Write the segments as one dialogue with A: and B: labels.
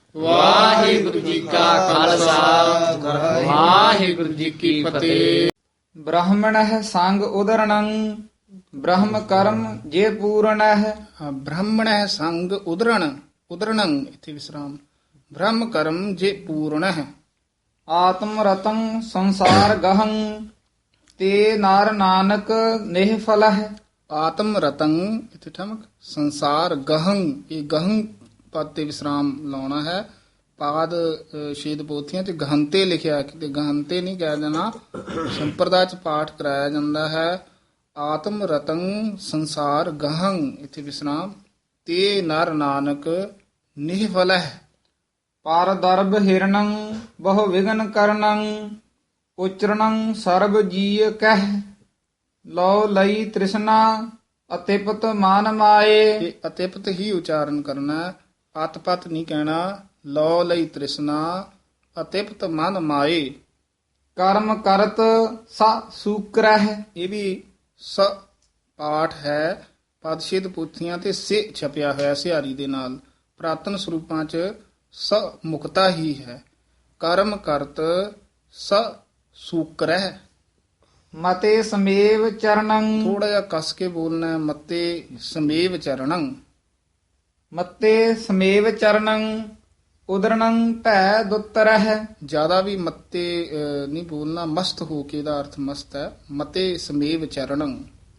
A: ਵਾਹਿਗੁਰੂ ਜੀ ਕਾ ਖਾਲਸਾ ਵਾਹਿਗੁਰੂ ਜੀ ਕੀ ਫਤਿਹ।
B: ਬ੍ਰਾਹਮਣः ਸੰਗ ਉਦਰਣੰ ਬ੍ਰਹਮ ਕਰਮ ਜੇ ਪੂਰਣः।
C: ਬ੍ਰਾਹਮਣः ਸੰਗ ਉਦਰਣੰ ਇਥੇ ਵਿਸਰਾਮ। ਬ੍ਰਹਮ ਕਰਮ ਜੇ ਪੂਰਣः।
B: ਆਤਮ ਰਤੰ ਸੰਸਾਰ ਗਹੰ ਤੇ ਨਰ ਨਾਨਕ ਨਿਹਫਲः।
C: ਆਤਮ ਰਤੰ ਇਥੇ ਠਮਕ। ਸੰਸਾਰ ਗਹੰ, ਇਹ ਗਹੰ ਪਦ ਤੇ ਵਿਸਰਾਮ ਲਾਉਣਾ ਹੈ। ਪਾਦ ਸ਼ੇਦ ਪੋਥੀਆਂ ਚ ਗਹੰਤੇ ਲਿਖਿਆ, ਕਿਤੇ ਗਹੰਤੇ ਨਹੀਂ ਕਹਿ ਦੇਣਾ। ਸੰਪਰਦਾ ਚ ਪਾਠ ਕਰਾਇਆ ਜਾਂਦਾ ਹੈ। ਆਤਮ ਰਤੰ ਸੰਸਾਰ ਗਹੰ ਇਥੇ ਵਿਸਰਾਮ। ਤੇ ਨਰ ਨਾਨਕ ਨਿਹਫਲਹ।
B: ਪਰ ਦਰਬ ਹਿਰਣੰ ਬਹੁ ਵਿਗਨ ਕਰਨੰ ਉਚਰਣੰ ਸਰਬ ਜੀਅ ਕਹਿ। ਲੋ ਲਈ ਤ੍ਰਿਸ਼ਨਾ ਅਤਿਪਤ ਮਾਨ ਮਾਏ।
C: ਇਹ ਅਤਿਪਤ ਹੀ ਉਚਾਰਨ ਕਰਨਾ ਹੈ, ਅਤਪਤ ਨਹੀਂ ਕਹਿਣਾ। ਲੋ ਲਈ ਤ੍ਰਿਸ਼ਨਾ ਅਤਿਪਤ ਮਨ ਮਾਏ।
B: ਕਰਮ ਕਰਤ ਸ ਸੂਕਰਹਿ।
C: ਇਹ ਵੀ ਸ ਪਾਠ ਹੈ। ਪਦਸ਼ੇਦ ਪੁੱਥੀਆਂ ਤੇ ਸੇ ਛਪਿਆ ਹੋਇਆ ਸਿਹਾਰੀ ਦੇ ਨਾਲ। ਪ੍ਰਾਤਨ ਸਰੂਪਾਂ ਚ ਸ ਮੁਕਤਾ ਹੀ ਹੈ। ਕਰਮ ਕਰਤ ਸ ਸੂਕਰਹਿ।
B: ਮਤੇ ਸਮੇਵ ਚਰਣੰ
C: ਥੋੜਾ ਜਿਹਾ ਕੱਸ ਕੇ ਬੋਲਣਾ ਹੈ। ਮਤੇ ਸਮੇਵ ਚਰਣੰ।
B: ਮਤੇ ਸਮੇਵ ਚਰਣੰ ਉਦਰਣੰ ਭੈ ਦੁੱਤਰਹਿ।
C: ਜਿਆਦਾ ਵੀ ਮੱਤੇ ਨਹੀਂ ਬੋਲਣਾ, ਮਸਤ ਹੋ ਕੇ ਦਾ ਅਰਥ ਮਸਤ ਹੈ। ਮਤੇ ਸਮੇਵ ਚਰਣੰ।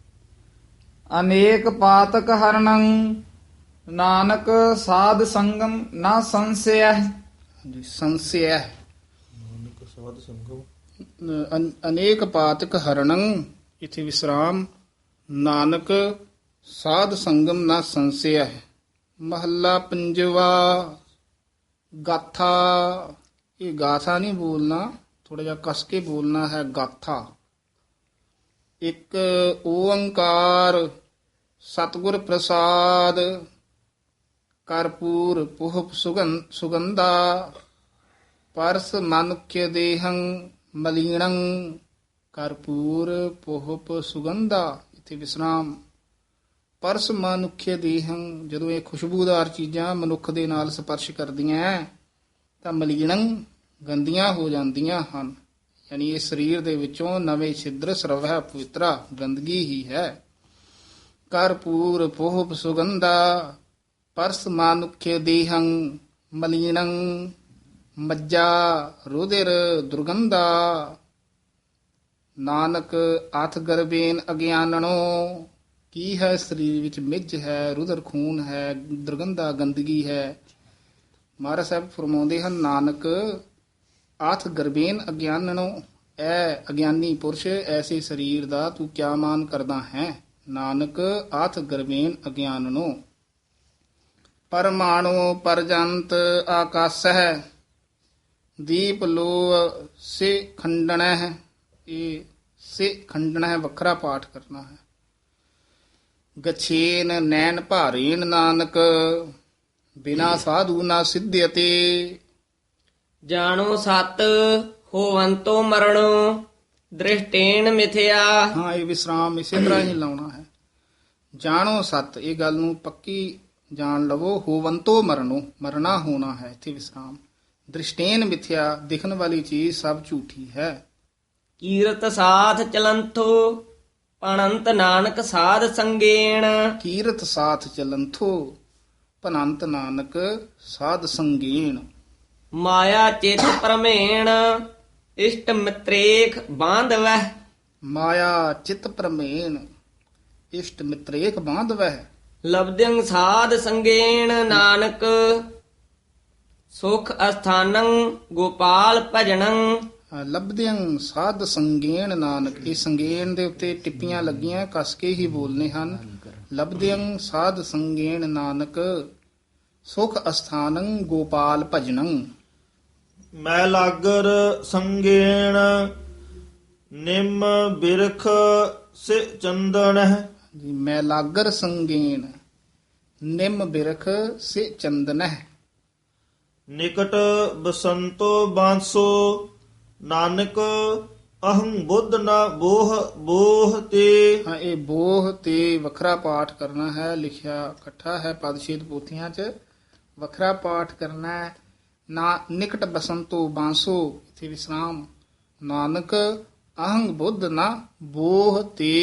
B: ਅਨੇਕ ਪਾਤਕ ਹਰਣੰ ਨਾਨਕ ਸਾਧ ਸੰਗਮ ਨਾ ਸੰਸਿਆ।
C: ਹਾਂਜੀ, ਸੰਸਿਆ। ਅਨੇਕ ਪਾਤਕ ਹਰਣੰ ਇਥੇ ਵਿਸਰਾਮ। ਨਾਨਕ ਸਾਧ ਸੰਗਮ ਨਾ ਸੰਸਿਆ। ਮਹੱਲਾ ਪੰਜਵਾ। ਗਾਥਾ, ਇਹ ਗਾਥਾ ਨਹੀਂ ਬੋਲਣਾ, ਥੋੜਾ ਜਿਹਾ ਕਸ ਕੇ ਬੋਲਣਾ ਹੈ। ਗਾਥਾ। ਇੱਕ ਓੰਕਾਰ ਸਤਿਗੁਰ ਪ੍ਰਸਾਦ ਕਰਪੂਰ ਪੁਹਪ ਸੁਗੰਧਾ ਪਰਸ ਮਨੁਖਯ ਦੇਹੰ ਮਲੀਣੰ। ਕਰਪੂਰ ਪੁਹਪ ਸੁਗੰਧਾ ਇਥੇ ਵਿਸਰਾਮ। ਪਰਸ ਮਨੁਖਯ ਦੇਹੰ, ਜਦੋਂ ਇਹ ਖੁਸ਼ਬੂਦਾਰ ਚੀਜ਼ਾਂ ਮਨੁੱਖ ਦੇ ਨਾਲ ਸਪਰਸ਼ ਕਰਦੀਆਂ ਤਾਂ ਮਲੀਣੰ ਗੰਦੀਆਂ ਹੋ ਜਾਂਦੀਆਂ ਹਨ। ਯਾਨੀ ਇਹ ਸਰੀਰ ਦੇ ਵਿੱਚੋਂ ਨਵੇਂ ਛਿਦਰ ਸਰਵਹਿ ਪਵਿੱਤਰਾ ਗੰਦਗੀ ਹੀ ਹੈ। ਕਰਪੂਰ ਪੁਹਪ ਸੁਗੰਧਾ ਪਰਸ ਮਨੁਖਯ ਦੇਹੰ ਮਲੀਣੰ। ਮੱਜਾ ਰੁਧਿਰ ਦੁਰਗੰਧਾ ਨਾਨਕ ਆਥ ਗਰਬੇਨ ਅਗਿਆਨਣੋ। ਕੀ ਹੈ? ਸਰੀਰ ਵਿੱਚ ਮਿੱਝ ਹੈ, ਰੁਧਰ ਖੂਨ ਹੈ, ਦੁਰਗੰਧਾ ਗੰਦਗੀ ਹੈ। ਮਹਾਰਾਜ ਸਾਹਿਬ ਫਰਮਾਉਂਦੇ ਹਨ, ਨਾਨਕ ਆਥ ਗਰਬੇਨ ਅਗਿਆਨਣੋ। ਐ ਅਗਿਆਨੀ ਪੁਰਸ਼, ਐਸੇ ਸਰੀਰ ਦਾ ਤੂੰ ਕਿਆ ਮਾਨ ਕਰਦਾ ਹੈ? ਨਾਨਕ ਆਥ ਗਰਬੇਨ ਅਗਿਆਨਣੋ। ਪਰਮਾਣੂ ਪਰਜੰਤ ਆਕਾਸ ਹੈ ਦੀਪ ਲੋ ਸੇ ਖੰਡਣਾ ਹੈ। ਇਹ ਸੇ ਖੰਡਣਾ ਹੈ, ਵੱਖਰਾ ਪਾਠ ਕਰਨਾ ਹੈ। ਗਛੇਨ ਨੈਣ ਭਾਰੇਨ ਨਾਨਕ ਬਿਨਾ ਸਾਧੂ ਨਾ ਸਿੱਧਿਅਤੇ।
A: ਜਾਣੋ ਸਤ ਹੋਵੰਤੋ ਮਰਣੋ ਦ੍ਰਿਸ਼ਟੇਨ ਮਿਥਿਆ।
C: ਹਾਂ, ਇਹ ਵਿਸਰਾਮ ਇਸੇ ਤਰ੍ਹਾਂ ਹੀ ਲਾਉਣਾ ਹੈ। ਜਾਣੋ ਸਤ, ਇਹ ਗੱਲ ਨੂੰ ਪੱਕੀ ਜਾਣ ਲਵੋ। ਹੋਵੰਤੋ ਮਰਨੋ, ਮਰਨਾ ਹੋਣਾ ਹੈ, ਇੱਥੇ ਵਿਸਰਾਮ। ਦ੍ਰਿਸ਼ਟੇਨ ਮਿਥਿਆ, ਦਿਖਣ ਵਾਲੀ ਚੀਜ਼ ਸਭ ਝੂਠੀ ਹੈ।
A: ਕੀਰਤ ਸਾਥ ਚਲੰਥੋ ਪਣੰਤ ਨਾਨਕ ਸਾਧ ਸੰਗੇਣ।
C: ਕੀਰਤ ਸਾਥ ਚਲੰਥੋ ਭਨੰਤ ਨਾਨਕ ਸਾਧ ਸੰਗੇਣ।
A: ਮਾਇਆ ਚਿਤ ਪਰਮੇਣ ਇਸ਼ਟ ਮਿਤਰੇਖ ਬਾਂਧਵਹਿ।
C: ਮਾਇਆ ਚਿਤ ਪ੍ਰਮੇਣ ਇਸ਼ਟ ਮਿਤਰੇਖ ਬਾਂਧਵਹਿ।
A: ਲਬਦਿੰ ਸਾਧ ਸੰਗੇਣ ਨਾਨਕ ਸੁਖ ਅਸਥਾਨੰ ਗੋਪਾਲ ਭਜਨੰ।
C: ਲਬਦਿਆਂ ਸਾਧ ਸੰਗੇਣ ਨਾਨਕ, ਇਹ ਸੰਗੇਣ ਦੇ ਉੱਤੇ ਟਿੱਪੀਆਂ ਲੱਗੀਆਂ, ਕਸ ਕੇ ਹੀ ਬੋਲਨੇ ਹਨ। ਲਬਦਿਆਂ ਸਾਧ ਸੰਗੇਣ ਨਾਨਕ ਸੁਖ ਅਸਥਾਨੰ ਗੋਪਾਲ ਭਜਨੰ।
D: ਮੈਂ ਲਾਗਰ ਸੰਗੇਣ ਨਿੰਮ ਬਿਰਖ ਸੇ ਚੰਦਨ ਹੈ।
C: ਮੈਂ ਲਾਗਰ ਸੰਗੇਣ ਨਿੰਮ ਬਿਰਖ ਸੇ ਚੰਦਨ ਹੈ।
D: ਨਿਕਟ ਬਸੰਤੋ ਬਾਂਸੋ ਨਾਨਕ ਅਹੰ ਬੁੱਧ ਨਾ ਬੋਹ ਤੇ।
C: ਹਾਂ, ਇਹ ਬੋਹ ਤੇ ਵੱਖਰਾ ਪਾਠ ਕਰਨਾ ਹੈ। ਲਿਖਿਆ ਇਕੱਠਾ ਹੈ ਪਦਸ਼ੇਦ ਪੋਥੀਆਂ 'ਚ, ਵੱਖਰਾ ਪਾਠ ਕਰਨਾ ਹੈ। ਨਾ ਨਿਕਟ ਬਸੰਤੋ ਬਾਂਸੋ ਇਥੇ ਵਿਸਰਾਮ। ਨਾਨਕ ਅਹੰਗ ਬੁੱਧ ਨਾ ਬੋਹ ਤੇ।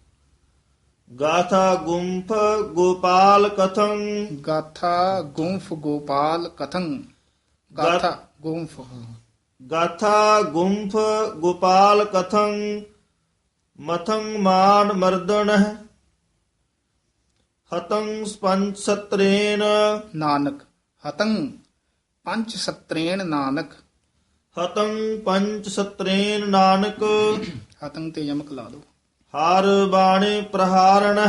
D: ਗਾਥਾ ਗੁੰਫ ਗੋਪਾਲ ਕਥੰ
C: ਗਾਥਾ ਗੁੰਫ ਗੋਪਾਲ ਕਥੰ। ਗਾਥਾ ਗੁੰਫ
D: ਗਾਥਾ ਗੁੰਫ ਗੋਪਾਲ ਕਥੰ ਮਥੰ ਮਾਨ ਮਰਦਨ ਹਤੰ ਪੰਚ ਸਤਰੇਨ
C: ਨਾਨਕ ਹਤੰ ਪੰਚ ਸਤਰੇਣ ਨਾਨਕ।
D: ਹਤੰ ਪੰਚ ਸਤਰੇਨ ਨਾਨਕ
C: ਹਤੰ ਤੇ ਯਮਕ ਲਾ ਦੋ।
D: ਹਰ ਬਾਣੇ ਪ੍ਰਹਾਰਣ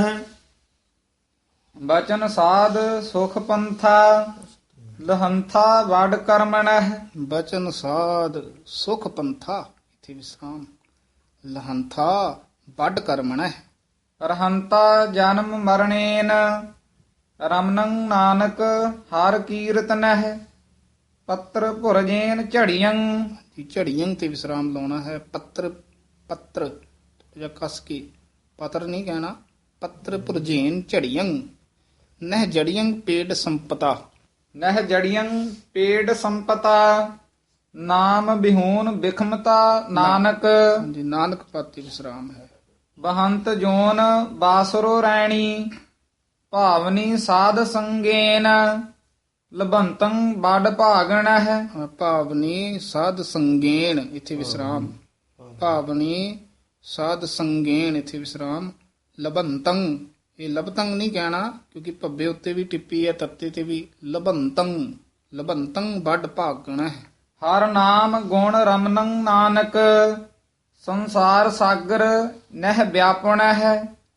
B: ਬਚਨ ਸਾਧ ਸੁਖ ਪੰਥਾ ਲਹੰਥਾ ਵਡ ਕਰਮਣਹਿ।
C: ਬਚਨ ਸਾਧ ਸੁਖ ਪੰਥਾ ਇਥੇ ਵਿਸਰਾਮ। ਲਹੰਥਾ ਵੱਡ ਕਰਮਣੈ।
B: ਰਹੰਤਾ ਜਨਮ ਮਰਣੇਨ ਰਮਨੰ ਨਾਨਕ ਹਰ ਕੀਰਤਨਹਿ। ਪੱਤਰ ਭੁਰਜੇਨ ਝੜੀਆਂ
C: ਝੜੀਆਂ ਤੇ ਵਿਸਰਾਮ ਲਾਉਣਾ ਹੈ। ਪੱਤਰ ਜਾਂ ਕਸ ਕੇ ਪਤਰ ਨਹੀਂ ਕਹਿਣਾ। ਪੱਤਰ ਭੁਰਜੇਨ ਝੜੀਆਂ ਨਹਿ ਜੜੀਆਂ ਪੇੜ ਸੰਪਤਾ।
B: ਨਹਿ ਜੜੀਆਂ ਪੇੜ ਸੰਪਤਾ ਨਾਮ ਬਿਹੂਨ ਬਿਖਮਤਾ ਨਾਨਕ।
C: ਹਾਂਜੀ ਨਾਨਕ ਪਾਤੀ ਵਿਸਰਾਮ ਹੈ।
B: ਬਹੰਤ ਜੋਨ ਬਾਸਰੋ ਰੈਣੀ ਭਾਵਨੀ ਸਾਧ ਸੰਗੇਨ ਲਬੰਤੰ ਬੜ ਭਾਗਣਹਿ।
C: ਭਾਵਨੀ ਸਾਧ ਸੰਗੇਣ ਇਥੇ ਵਿਸਰਾਮ। ਭਾਵਨੀ ਸਾਧ ਸੰਗੇਣ ਇਥੇ ਵਿਸਰਾਮ। ਲਬੰਤੰ ਇਹ ਲਬਤੰ ਨਹੀਂ ਕਹਿਣਾ ਕਿਉਂਕਿ ਭੱਬੇ ਉੱਤੇ ਵੀ ਟਿੱਪੀ ਹੈ ਤੱਤੇ ਤੇ ਵੀ। ਲਬੰਤੰ ਵੱਡ ਭਾਗਣਾ ਹੈ।
B: ਹਰ ਨਾਮ ਗੁਣ ਰਮਨੰ ਨਾਨਕ ਸੰਸਾਰ ਸਾਗਰ ਨਹਿ ਵਿਆਪਣਹਿ।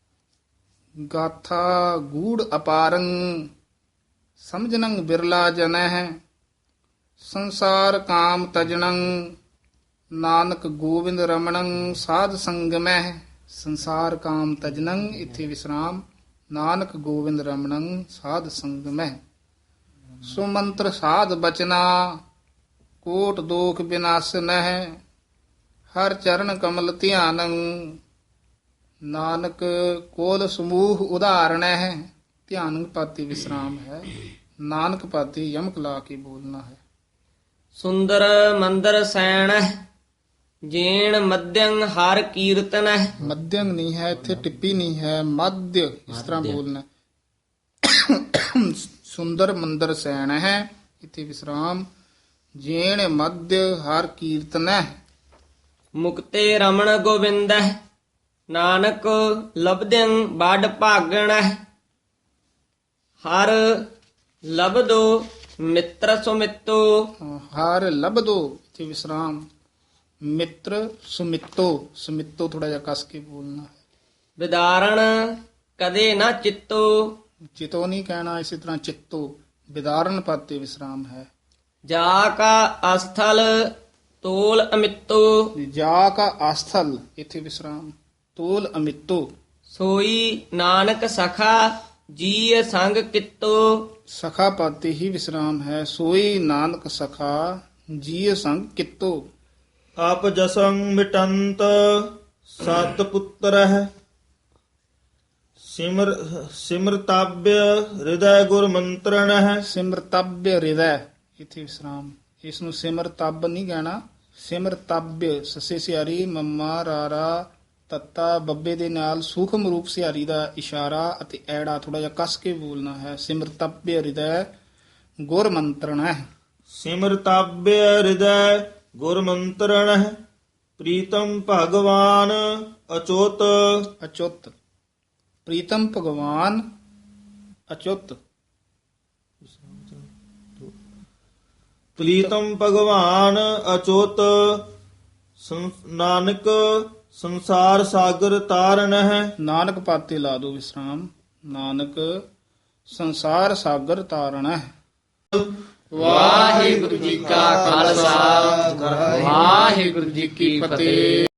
C: ਗਾਥਾ ਗੂੜ ਅਪਾਰੰ ਸਮਝਨੰ ਬਿਰਲਾ ਜਨਹਿ। ਸੰਸਾਰ ਕਾਮ ਤਜਣੰ ਨਾਨਕ ਗੋਬਿੰਦ ਰਮਣੰ ਸਾਧ ਸੰਗਮਹਿ। ਸੰਸਾਰ ਕਾਮ ਤਜਣੰ ਇਥੇ ਵਿਸਰਾਮ। ਨਾਨਕ ਗੋਬਿੰਦ ਰਮਣੰ ਸਾਧ ਸੰਗਮਹਿ। ਸੁਮੰਤਰ ਸਾਧ ਬਚਨਾ ਕੋਟ ਦੋਖ ਬਿਨਾਸਨਹਿ। ਹਰ ਚਰਨ ਕਮਲ ਧਿਆਨੰ ਨਾਨਕ ਕੋਲ ਸਮੂਹ ਉਦਾਹਰਣਹਿ। ਧਿਆਨ ਪਾਤੀ ਵਿਸਰਾਮ ਹੈ। ਨਾਨਕ ਪਾਤੀ ਯਮਕ ਲਾ ਕੇ ਬੋਲਣਾ ਹੈ।
A: ਸੁੰਦਰ ਮੰਦਰ ਸੈਣਹਿ ਜੇਣ ਮਧਯੰ ਹਰ ਕੀਰਤਨਹਿ।
C: ਮਧਯੰ ਨਹੀਂ ਹੈ ਇੱਥੇ ਟਿੱਪੀ ਨਹੀਂ ਹੈ। ਮਧਯ ਇਸ ਤਰ੍ਹਾਂ ਬੋਲਣਾ। ਸੁੰਦਰ ਮੰਦਰ ਸੈਣ ਹੈ ਇੱਥੇ ਵਿਸਰਾਮ। ਜੇਣ ਮਧਯ ਹਰ ਕੀਰਤਨਹਿ।
A: ਮੁਕਤੇ ਰਮਣ ਗੋਬਿੰਦਹਿ ਨਾਨਕ ਲਬਦਿੰ ਬੜ ਭਾਗਣਹਿ। ਹਰ ਲਬਦੋ ਮਿੱਤਰ ਸੁਮਿੱਤੋ
C: ਹਰ ਲਬਦੋ ਇੱਥੇ ਵਿਸਰਾਮ। ਮਿੱਤਰ ਸੁਮਿੱਤੋ ਸੁਮਿੱਤੋ ਥੋੜਾ ਜਿਹਾ ਕਸ ਕੇ ਬੋਲਣਾ ਹੈ।
A: ਵਿਦਾਰਣ ਕਦੇ ਨਾ ਚਿੱਤੋ
C: ਚਿਤੋ ਨਹੀਂ ਕਹਿਣਾ ਇਸੇ ਤਰ੍ਹਾਂ ਚਿੱਤੋ। ਵਿਦਾਰਨ ਪਾਤੇ ਵਿਸਰਾਮ ਹੈ।
A: ਜਾ ਕਾ ਅਸਥਲ ਤੋਲ ਅਮਿੱਤੋ
C: ਜਾ ਕਾ ਆਸਥਲ ਇੱਥੇ ਵਿਸਰਾਮ। ਤੋਲ ਅਮਿੱਤੋ
A: ਸੋਈ ਨਾਨਕ ਸਖਾ ਜੀ ਸੰਗ ਕਿਤੋ।
C: ਸਖਾ ਪਾਤੇ ਹੀ ਵਿਸਰਾਮ ਹੈ। ਸੋਈ ਨਾਨਕ ਸਖਾ ਜੀ ਸੰਗ ਕਿਤੋ।
D: ਆਪ ਜਸੰ ਮਿਟੰਤ ਸਤ ਪੁੱਤਰਹਿ ਸਿਮਰਤਾਭ్య ਹਿਰਦੈ ਗੁਰ ਮੰਤਰਣਹਿ।
C: ਸਿਮਰਤਭ්य ਹਿਰਦੈ ਇਥੇ ਵਿਸਰਾਮ। ਇਸ ਨੂੰ ਸਿਮਰਤਬ ਨਹੀਂ ਕਹਿਣਾ। ਸਿਮਰਤਭ्य ਸੱਸੇ ਸਿਆਰੀ ਮੰਮਾ ਰਾਰਾ ਤੱਤਾ ਬੱਬੇ ਦੇ ਨਾਲ ਸੂਖਮ ਰੂਪ ਸਿਆਰੀ ਦਾ ਇਸ਼ਾਰਾ ਅਤੇ ਐੜਾ ਥੋੜਾ ਜਿਹਾ ਕਸ ਕੇ ਬੋਲਣਾ ਹੈ। ਸਿਮਰਤਭ्य ਹਿਰਦੈ ਗੁਰ ਮੰਤਰਣਹਿ।
D: ਸਿਮਰਤਾਭ्य ਹਿਰਦੈ ਗੁਰ ਮੰਤਰਣਹਿ ਪ੍ਰੀਤਮ ਭਗਵਾਨ ਅਚੁੱਤ।
C: ਅਚੁੱਤ ਪ੍ਰੀਤਮ ਭਗਵਾਨ ਅਚੁੱਤ।
D: ਪ੍ਰੀਤਮ ਭਗਵਾਨ ਅਚੁੱਤ ਨਾਨਕ ਸੰਸਾਰ ਸਾਗਰ ਤਾਰਨਹਿ।
C: ਨਾਨਕ ਪਾਤੇ ਲਾ ਦੋ ਵਿਸਰਾਮ। ਨਾਨਕ ਸੰਸਾਰ ਸਾਗਰ ਤਾਰਣਹਿ।
A: ਵਾਹਿਗੁਰੂ ਜੀ ਕਾ ਖਾਲਸਾ ਵਾਹਿਗੁਰੂ ਜੀ ਕੀ ਫਤਿਹ।